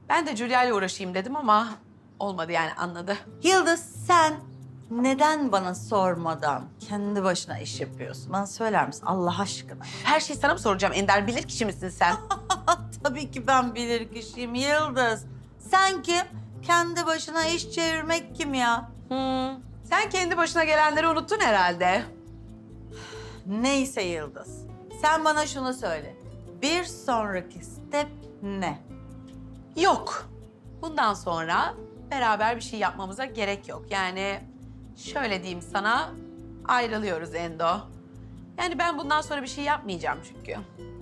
Ben de Julia ile uğraşayım dedim ama olmadı yani anladı. Yıldız sen neden bana sormadan kendi başına iş yapıyorsun? Bana söyler misin Allah aşkına? Her şeyi sana mı soracağım Ender? Bilir kişi misin sen? Tabii ki ben bilir kişiyim Yıldız. Sen kim? Kendi başına iş çevirmek kim ya? Sen kendi başına gelenleri unuttun herhalde. Neyse Yıldız. Sen bana şunu söyle. Bir sonraki step ne? Yok. Bundan sonra beraber bir şey yapmamıza gerek yok. Yani şöyle diyeyim sana, ayrılıyoruz Endo. Yani ben bundan sonra bir şey yapmayacağım çünkü.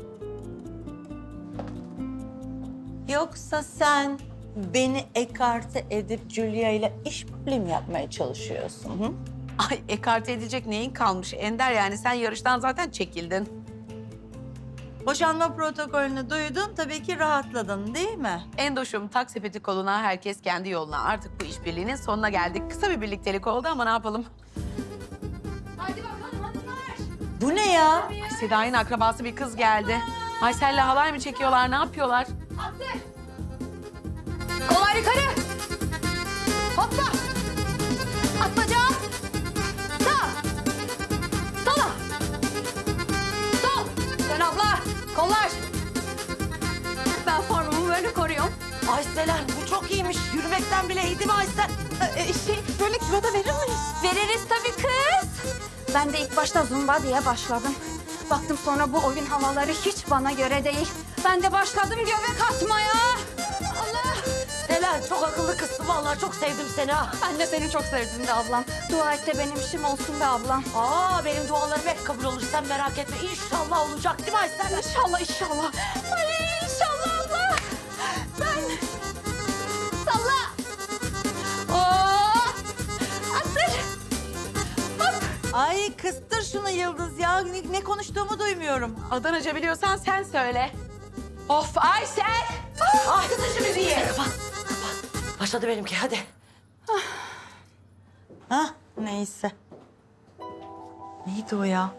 Yoksa sen beni ekarte edip Julia ile işbirliği mi yapmaya çalışıyorsun? Hı? Ay ekarte edecek neyin kalmış Ender, yani sen yarıştan zaten çekildin. Boşanma protokolünü duydun, tabii ki rahatladın değil mi? Endoşum, tak sepeti koluna, herkes kendi yoluna. Artık bu işbirliğinin sonuna geldik. Kısa bir birliktelik oldu ama ne yapalım? Hadi bakalım hanımlar. Bu ne ya? Ay, Seda'nın akrabası bir kız geldi. Aysel'le halay mı çekiyorlar, ne yapıyorlar? Attır. Kollar yukarı. Hoppa. At bacağı. Sağ. Sola. Sol. Dön abla. Kollar. Ben formumu böyle koruyorum. Aysel bu çok iyiymiş. Yürümekten bile iyiydi mi Aysel? Böyle kilo da verir miyiz? Veririz tabii kız. Ben de ilk başta zumba diye başladım. Baktım sonra bu oyun havaları hiç bana göre değil. Ben de başladım göbek atmaya. Allah! Selen çok akıllı kızsın vallahi çok sevdim seni ha. Ben de seni çok sevdim de ablam. Dua et de benim işim olsun be ablam. Benim dualarım hep kabul olur sen merak etme. İnşallah olacak değil mi Aysel? İnşallah, inşallah. Ay inşallah abla. Ben... Salla. Oo! Attır. Hop. Ay kıstır şunu Yıldız ya. Ne konuştuğumu duymuyorum. Adanaca biliyorsan sen söyle. Of Aysel! Ay kız işimiz iyi. Kapat. Başladı benimki hadi. Hah neyse. Neydi o ya?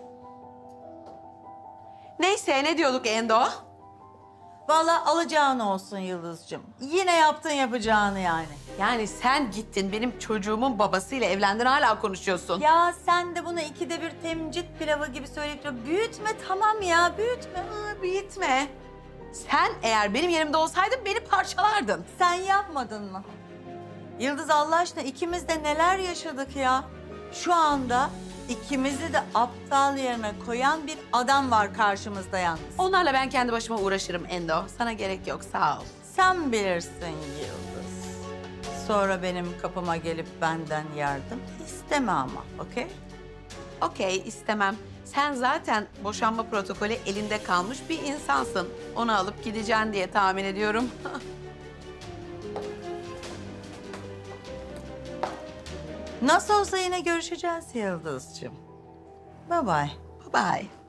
Neyse, ne diyorduk Endo? Vallahi alacağın olsun Yıldız'cığım. Yine yaptın yapacağını yani. Yani sen gittin benim çocuğumun babasıyla evlendin, hala konuşuyorsun. Ya sen de bunu ikide bir temcit pilavı gibi söyleyip duruyorsun. Büyütme tamam ya büyütme. Büyütme. Sen eğer benim yerimde olsaydın beni parçalardın. Sen yapmadın mı? Yıldız Allah aşkına ikimiz de neler yaşadık ya. Şu anda ikimizi de aptal yerine koyan bir adam var karşımızda yalnız. Onlarla ben kendi başıma uğraşırım Endo. Sana gerek yok, sağ ol. Sen bilirsin Yıldız. Sonra benim kapıma gelip benden yardım isteme ama, okey? Okey, istemem. Sen zaten boşanma protokolü elinde kalmış bir insansın. Onu alıp gideceksin diye tahmin ediyorum. Nasıl olsa yine görüşeceğiz Yıldız'cığım. Bye bye. Bye bye.